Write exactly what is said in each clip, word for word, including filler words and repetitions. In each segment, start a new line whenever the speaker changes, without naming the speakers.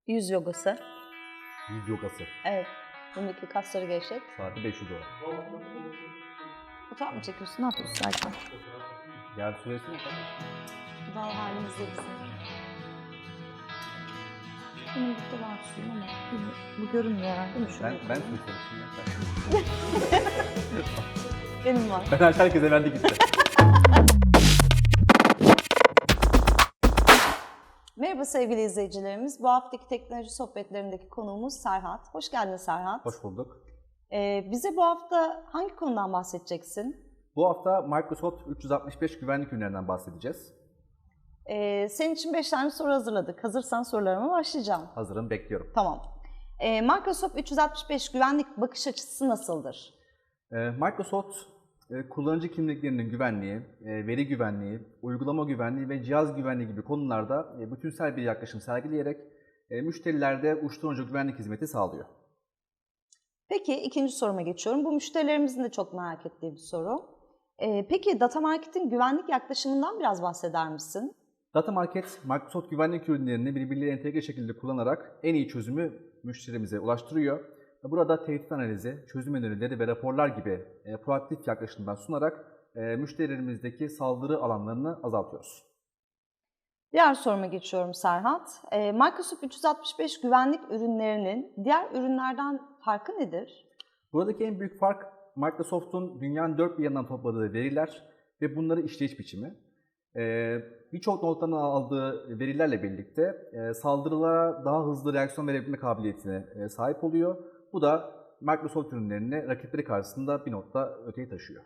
Yüz yogası.
Yüz yogası.
Evet. Bundaki kasları gevşet.
Saati beş yüz dolar.
Fotoğraf mı çekiyorsun? Ne yapıyorsun Serkan?
Yer süresi ne kadar?
Daha halimizde bizim. Benim burada var suyum ama bu, bu görünmüyor herhalde değil mi?
Ben,
Şöyle
ben
koyayım.
su istemiştim ya.
Benim var.
Ben herkese verdik işte.
Merhaba sevgili izleyicilerimiz. Bu haftaki teknoloji sohbetlerindeki konuğumuz Serhat. Hoş geldin Serhat.
Hoş bulduk.
Ee, bize bu hafta hangi konudan bahsedeceksin?
Bu hafta Microsoft üç yüz altmış beş güvenlik ürünlerinden bahsedeceğiz.
Ee, senin için beş tane soru hazırladık. Hazırsan sorularıma başlayacağım.
Hazırım, bekliyorum.
Tamam. Ee, Microsoft üç yüz altmış beş güvenlik bakış açısı nasıldır?
Ee, Microsoft e, kullanıcı kimliklerinin güvenliği, e, veri güvenliği, uygulama güvenliği ve cihaz güvenliği gibi konularda e, bütünsel bir yaklaşım sergileyerek e, müşterilerde uçtan uca güvenlik hizmeti sağlıyor.
Peki ikinci soruma geçiyorum. Bu müşterilerimizin de çok merak ettiği bir soru. Ee, peki Data Market'in güvenlik yaklaşımından biraz bahseder misin?
Data Market, Microsoft güvenlik ürünlerini birbirleriyle entegre şekilde kullanarak en iyi çözümü müşterimize ulaştırıyor. Burada tehdit analizi, çözüm önerileri ve raporlar gibi e, proaktif yaklaşımdan sunarak e, müşterilerimizdeki saldırı alanlarını azaltıyoruz.
Diğer soruma geçiyorum Serhat. Ee, Microsoft üç yüz altmış beş güvenlik ürünlerinin diğer ürünlerden farkı nedir?
Buradaki en büyük fark Microsoft'un dünyanın dört bir yanından topladığı veriler ve bunları işleyiş biçimi. Ee, Birçok noktadan aldığı verilerle birlikte e, saldırılara daha hızlı reaksiyon verebilme kabiliyetine e, sahip oluyor. Bu da Microsoft ürünlerini rakipleri karşısında bir nokta öteye taşıyor.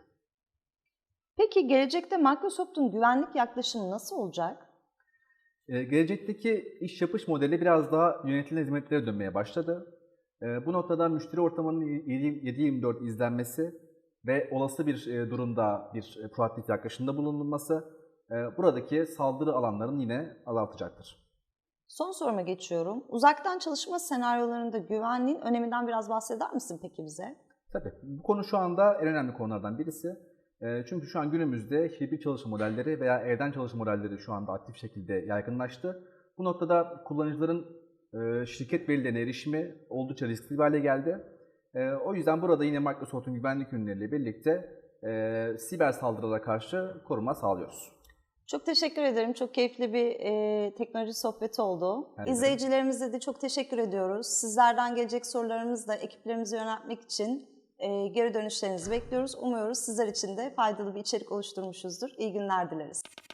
Peki gelecekte Microsoft'un güvenlik yaklaşımı nasıl olacak?
Ee, gelecekteki iş yapış modeli biraz daha yönetilen hizmetlere dönmeye başladı. Ee, bu noktada müşteri ortamının yedi yirmi dört izlenmesi ve olası bir e, durumda bir e, proaktif yaklaşımda bulunulması e, buradaki saldırı alanlarını yine azaltacaktır.
Son soruma geçiyorum. Uzaktan çalışma senaryolarında güvenliğin öneminden biraz bahseder misin peki bize?
Tabii bu konu şu anda en önemli konulardan birisi. E, çünkü şu an günümüzde hibrit çalışma modelleri veya evden çalışma modelleri şu anda aktif şekilde yaygınlaştı. Bu noktada kullanıcıların e, şirket verilerine erişimi oldukça riskli bir hale geldi. E, o yüzden burada yine Microsoft'un güvenlik ürünleriyle birlikte e, siber saldırılara karşı koruma sağlıyoruz.
Çok teşekkür ederim. Çok keyifli bir e, teknoloji sohbeti oldu.
Ben de.
İzleyicilerimize de çok teşekkür ediyoruz. Sizlerden gelecek sorularımızı da ekiplerimize yöneltmek için e, geri dönüşlerinizi bekliyoruz. Umuyoruz sizler için de faydalı bir içerik oluşturmuşuzdur. İyi günler dileriz.